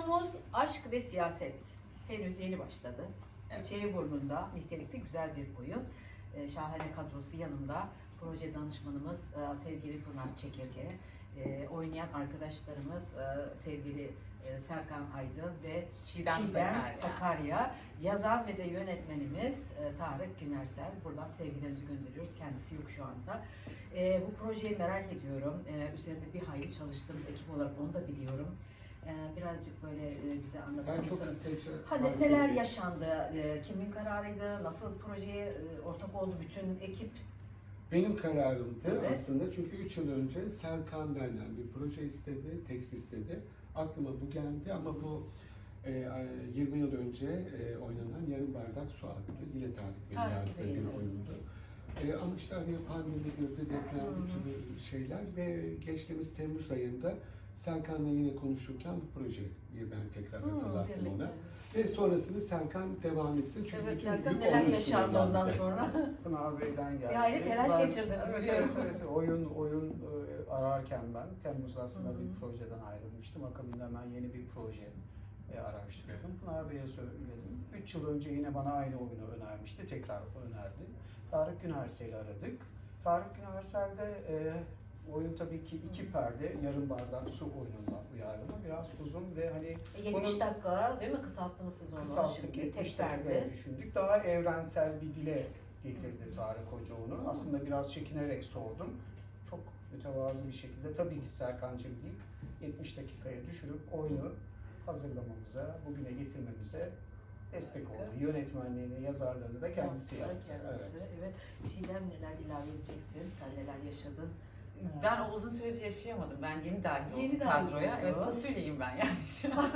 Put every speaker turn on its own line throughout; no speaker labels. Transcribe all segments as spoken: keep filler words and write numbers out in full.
Oyunumuz Aşk ve Siyaset. Henüz yeni başladı.
Evet.
Çiçeği burnunda, nitelikli güzel bir oyun. Ee, şahane kadrosu yanımda. Proje danışmanımız e, sevgili Pınar Çekirge. Ee, oynayan arkadaşlarımız e, sevgili e, Serkan Aydın ve
Çiğdem
Çiğdem
Sakarya.
Sakarya. Yazan ve de yönetmenimiz e, Tarık Günersel. Buradan sevgilerimizi gönderiyoruz. Kendisi yok şu anda. E, bu projeyi merak ediyorum. E, üzerinde bir hayli çalıştığınız ekip olarak onu da biliyorum. E, birazcık böyle e, bize anlatır
Ben çok
mısınız?
istedim.
Hani neler yaşandı? E, kimin kararıydı? Nasıl projeye e, ortak oldu bütün ekip?
Benim kararımdı
Evet.
aslında çünkü üç yıl önce Serkan benden bir proje istedi, tekst istedi. Aklıma bu geldi ama bu e, yirmi yıl önce e, oynanan Yarım Bardak Su adlı yine Tarık Bey'in
Tarık
yazdığı
Bey'in,
bir
evet.
oyundu. E, ama işte araya pandemi girdi, deprem,
Hı hı.
bir sürü şeyler ve geçtiğimiz Temmuz ayında Serkan'la yine konuşurken bu projeyi ben tekrar
Hı,
hatırlattım
birlikte.
ona. Ve sonrasını Serkan devam etsin çünkü
Evet,
bütün
Serkan
yük
neler
onun
yaşandı
üstüne
ondan
geldi.
sonra?
Pınar Bey'den geldi.
Bir hayli telaş
Ben-
geçirdiniz
evet,
biliyorum.
Evet, evet. Oyun, oyun e, ararken ben Temmuz'da aslında
Hı hı.
bir projeden ayrılmıştım. Akabinde hemen yeni bir proje e, araştırıyordum. Pınar Bey'e söyledim. üç yıl önce yine bana aynı oyunu önermişti. Tekrar önerdi. Tarık Günersel'i aradık. Tarık Günersel'de e, oyun tabii ki iki perde, yarım bardak su oyununa uyarlama. Biraz uzun ve hani
E, yetmiş
Bunun-
dakika değil mi? Kısalttınız siz onu.
kısalttık,
Şimdi
yetmiş
tek
dakikaya
perde.
düşündük. Daha evrensel bir dile getirdi Tarık Hoca onu. Aslında biraz çekinerek sordum. Çok mütevazı bir şekilde tabii ki Serkan'cığım deyip yetmiş dakikaya düşürüp oyunu hazırlamamıza, bugüne getirmemize destek oldu. Yönetmenliğini, yazarlığını da kendisi
Yaptı,
yaptı.
kendisi.
Evet.
Evet. Çiğdem neler ilave edeceksin? Sen neler yaşadın?
Ben o uzun süreci yaşayamadım. Ben yeni dahil oldum
Yeni dahil
kadroya.
oldun.
Evet, fasulyeyim ben yani şu an.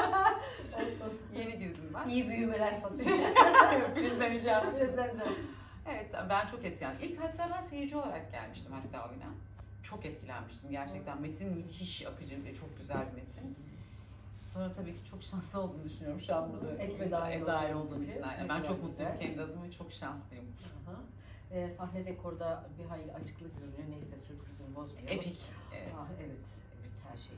Olsun.
Yeni girdim ben.
İyi büyümeler fasulye.
Filizleneceğim.
Filizleneceğim.
Evet, ben çok etkilendim. İlk hatta ben seyirci olarak gelmiştim hatta oyuna. Çok etkilenmiştim gerçekten. Metin müthiş akıcı ve çok güzel bir metin. Sonra tabii ki çok şanslı olduğumu düşünüyorum şu an burada.
Ekibe dahil
dahil
olduğunuz
olduğum
için.
için. Aynen.
Ne
Ben
kadar
çok mutluyum
güzel.
kendi adıma ve çok şanslıyım.
Aha. Ee, sahne dekorda bir hayli açıklık görünüyor. Neyse sürprizini bozmayalım.
Epik. Evet.
Ah, evet. Evet, her şey.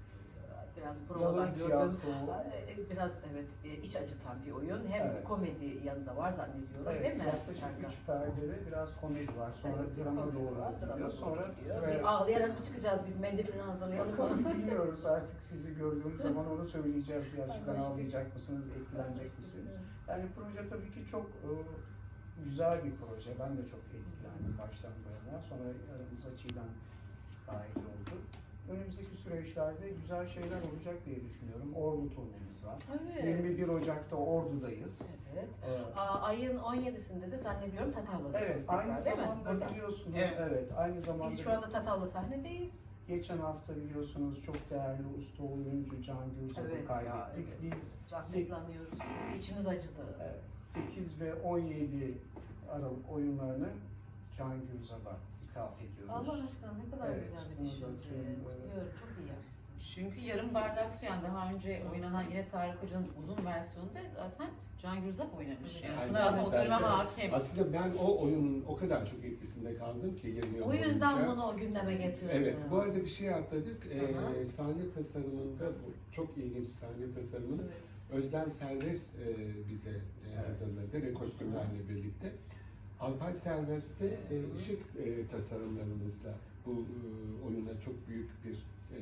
Biraz
Yalın
provadan gördüm.
tiyatro.
Ee, Biraz evet e, iç acıtan bir oyun. Hem
Evet.
komedi yanında var zannediyorum değil
Evet,
mi?
yaklaşık
Serkan?
üç perdede biraz komedi var. Sonra
Evet,
drama
komedi
doğru
var, drama
gidiyor.
doğru
Sonra
gidiyor.
tre-
Bir ağlayarak mı çıkacağız biz? Mendil falan hazırlayalım.
Bakalım bilmiyoruz artık sizi gördüğüm zaman onu söyleyeceğiz. Gerçekten
Anlaştık.
ağlayacak mısınız, etkilenecek misiniz? Yani proje tabii ki çok e, güzel bir proje. Ben de çok etkilendim baştan bu yana. Sonra aramıza Çiğdem dahil oldu. Önümüzdeki süreçlerde güzel şeyler olacak diye düşünüyorum. Ordu turnemiz var.
Evet.
yirmi bir Ocak'ta Ordu'dayız.
Evet.
Evet.
Aa, ayın on yedisinde de zannediyorum Tatavla'dasınız
Evet,
tekrar,
aynı
değil mi?
zamanda
Burada.
biliyorsunuz,
Evet.
evet. aynı zamanda
Biz şu anda Tatavla sahnedeyiz.
geçen hafta biliyorsunuz çok değerli usta oyuncu Can Gürzap'ı
Evet ya,
kaybettik.
evet.
Biz
Rahmetli anıyoruz. İçimiz acıdı.
evet, sekiz ve on yedi Aralık oyunlarını Can Gürzap'a ithaf ediyoruz.
Allah aşkına ne kadar
Evet,
güzel bir
bunu da
düşünce.
tüm, e,
Kutluyorum, çok iyi yapmışsın.
Çünkü yarım bardak su yani daha önce oynanan yine Tarık Hoca'nın uzun versiyonunda zaten Can Gürzap oynamış. Yani
Evet.
aslında aslında o
Aynen.
filme hakim.
Aslında ben o oyunun o kadar çok etkisinde kaldım ki yirmi yıl
O yüzden
boyunca.
bunu o gündeme getirdin.
Evet, bu arada bir şey atladık.
Hı hı.
Ee, sahne tasarımında, bu çok ilginç sahne tasarımını
Evet.
Özlem Serbest e, bize e, hazırladı ve kostümlerle birlikte. Alpay Serbest de e, ışık e, tasarımlarımızla bu e, oyuna çok büyük bir e,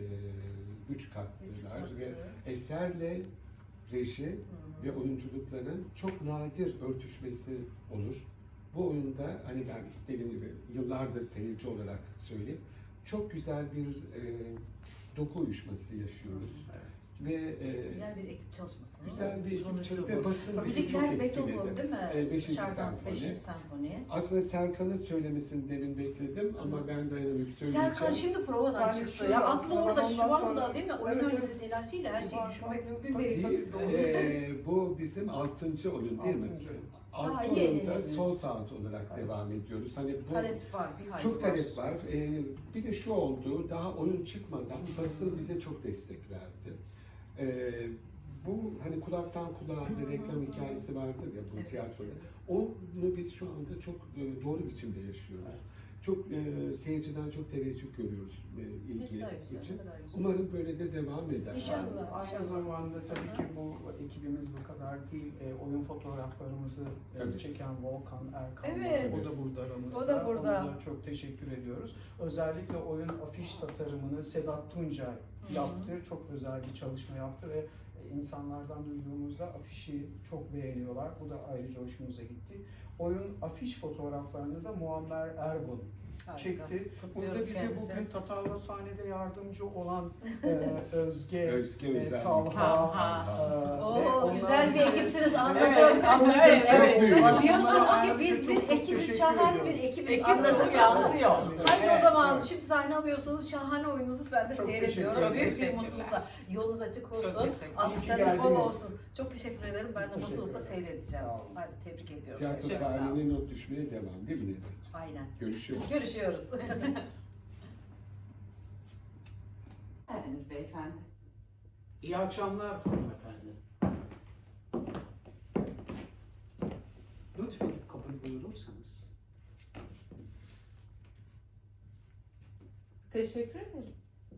güç kattılar ve eserle reji
Hı.
ve oyunculukların çok nadir örtüşmesi olur. Bu oyunda hani ben dediğim gibi yıllardır seyirci olarak söyleyeyim, çok güzel bir e, doku uyuşması yaşıyoruz.
Evet.
Ve e,
Güzel bir ekip çalışması.
güzel bir ekip
Sonucu
çalışması
bu.
ve basın bizi çok
Müzikler Beethoven
etkiledi.
değil mi?
Evet, beşinci
Şarkı,
senfoni.
beşinci senfoni.
Aslında Serkan'ın söylemesini demin bekledim ama ben dayanamayıp söyleyeceğim.
Serkan şimdi provadan
Yani
çıktı.
şöyle
Ya
aslında
aklı orada
ondan
şu anda
sonra-
değil mi? Oyun
Evet,
öncesi
evet.
telaşıyla her şeyi
Var,
düşünmek
var.
mümkün
Tabii,
değil.
tabii, doğru.
Ee, bu bizim altıncı oyun değil mi?
Altıncı.
Altı
Aa, yeni,
oyunda
yeni.
sold out olarak
Evet.
devam ediyoruz. Hani bu
Talep var, bir hayli
çok talep var. Ee, bir de şu oldu, daha oyun çıkmadan basın bize çok destek verdi. Ee, bu hani kulaktan kulağa bir reklam hikayesi vardır ya bu
Evet.
tiyatroda. Onu biz şu anda çok e, doğru biçimde yaşıyoruz. çok e, seyirciden çok teveccüh görüyoruz e, ilgi
Ne kadar güzel,
için.
ne kadar güzel.
Umarım böyle de devam eder.
İnşallah.
Aynı zamanda tabii ki bu ekibimiz bu kadar değil. E, oyun fotoğraflarımızı e,
Tabii.
çeken Volkan Erkan.
Evet.
O da burada aramızda.
O da burada.
Ona da çok teşekkür ediyoruz. Özellikle oyun afiş tasarımını Sedat Tuncay
Hı hı.
yaptı. Çok özel bir çalışma yaptı ve insanlardan duyduğumuzda afişi çok beğeniyorlar. Bu da ayrıca hoşumuza gitti. Oyun afiş fotoğraflarını da Muammer Ergun
Harika.
çekti.
Kutluyoruz
Burada bize
kendisini.
bugün Tatavla sahnede yardımcı olan e, Özge,
Özge
e,
Özel.
Talha,
Talha.
e, ve
Oo,
onlar
güzel bir
bize-
ekipsiniz anladım.
Evet,
Anladım.
evet,
Evet.
evet.
Diyorsunuz ki
Aslında
biz
çok
bir
çok
ekibiz,
teşekkür
şahane bir
ediyorum.
ekibiz.
Ekip
Anladım.
ruhu yansıyor.
Haydi
Evet,
o zaman
evet.
şimdi sahne alıyorsunuz. Şahane oyununuzu ben de
Çok
seyrediyorum.
teşekkür
Büyük bir
ederim.
mutlulukla. Yolunuz açık olsun.
Çok teşekkür ederim.
Alkışlarınız bol
geldiniz.
olsun. Çok teşekkür ederim. Ben
Biz
de
teşekkür
mutlulukla
ederiz.
seyredeceğim.
Sağ olun.
Hadi tebrik ediyorum.
Tiyatro
Çok sağ olun.
tarihine not düşmeye devam değil mi Nehir?
Aynen.
Görüşürüz.
Görüşüyoruz.
Geldiniz beyefendi.
İyi akşamlar hanımefendi. Lütfedip kabul buyurursanız.
Teşekkür ederim.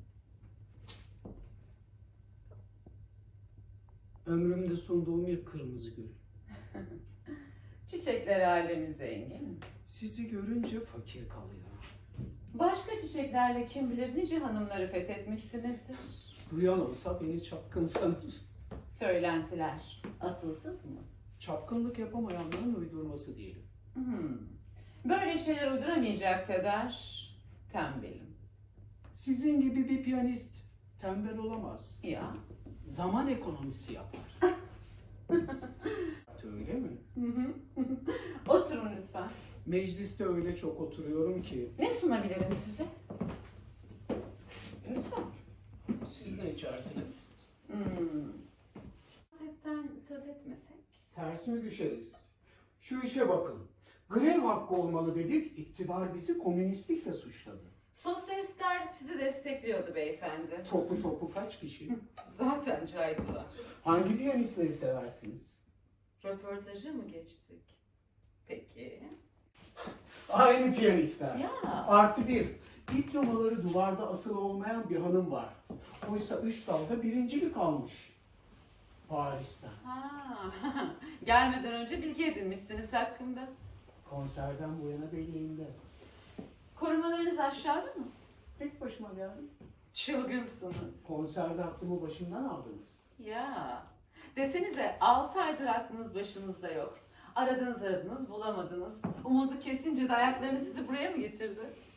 Ömrümde sunduğum ilk kırmızı gül.
Çiçekler alemi zengin.
Sizi görünce fakir kalıyor.
Başka çiçeklerle kim bilir nice hanımları fethetmişsinizdir.
Duyan olsa beni çapkın sanır.
Söylentiler asılsız mı?
Çapkınlık yapamayanların uydurması diyelim.
Hmm. Böyle şeyler uyduramayacak kadar tembelim.
Sizin gibi bir piyanist tembel olamaz.
Ya.
Zaman ekonomisi yapar. Öyle mi?
Hı hı. Oturun lütfen.
Mecliste öyle çok oturuyorum ki.
Ne sunabilirim size? Lütfen.
Siz ne içersiniz?
Hmm. Siyasetten söz etmesek?
Ters mi düşeriz? Şu işe bakın. Grev hakkı olmalı dedik, iktidar bizi komünistlikle suçladı.
Sosyalistler sizi destekliyordu beyefendi.
Topu topu kaç kişi?
Zaten caydılar.
Hangi piyanistleri seversiniz?
Röportajı mı geçtik? Peki.
Aynı piyanistler.
Ya.
Artı bir, diplomaları duvarda asılı olmayan bir hanım var. Oysa üç dalda birincilik almış. Paris'ten.
Ha. Gelmeden önce bilgi edinmişsiniz hakkında.
Konserden bu yana belleğimde.
Korumalarınız aşağıda mı?
Tek başıma geldim.
Çılgınsınız.
Konserde aklımı başımdan aldınız.
Ya. Desenize altı aydır aklınız başınızda yok. Aradınız aradınız bulamadınız. Umudu kesince de ayaklarını sizi buraya mı getirdi?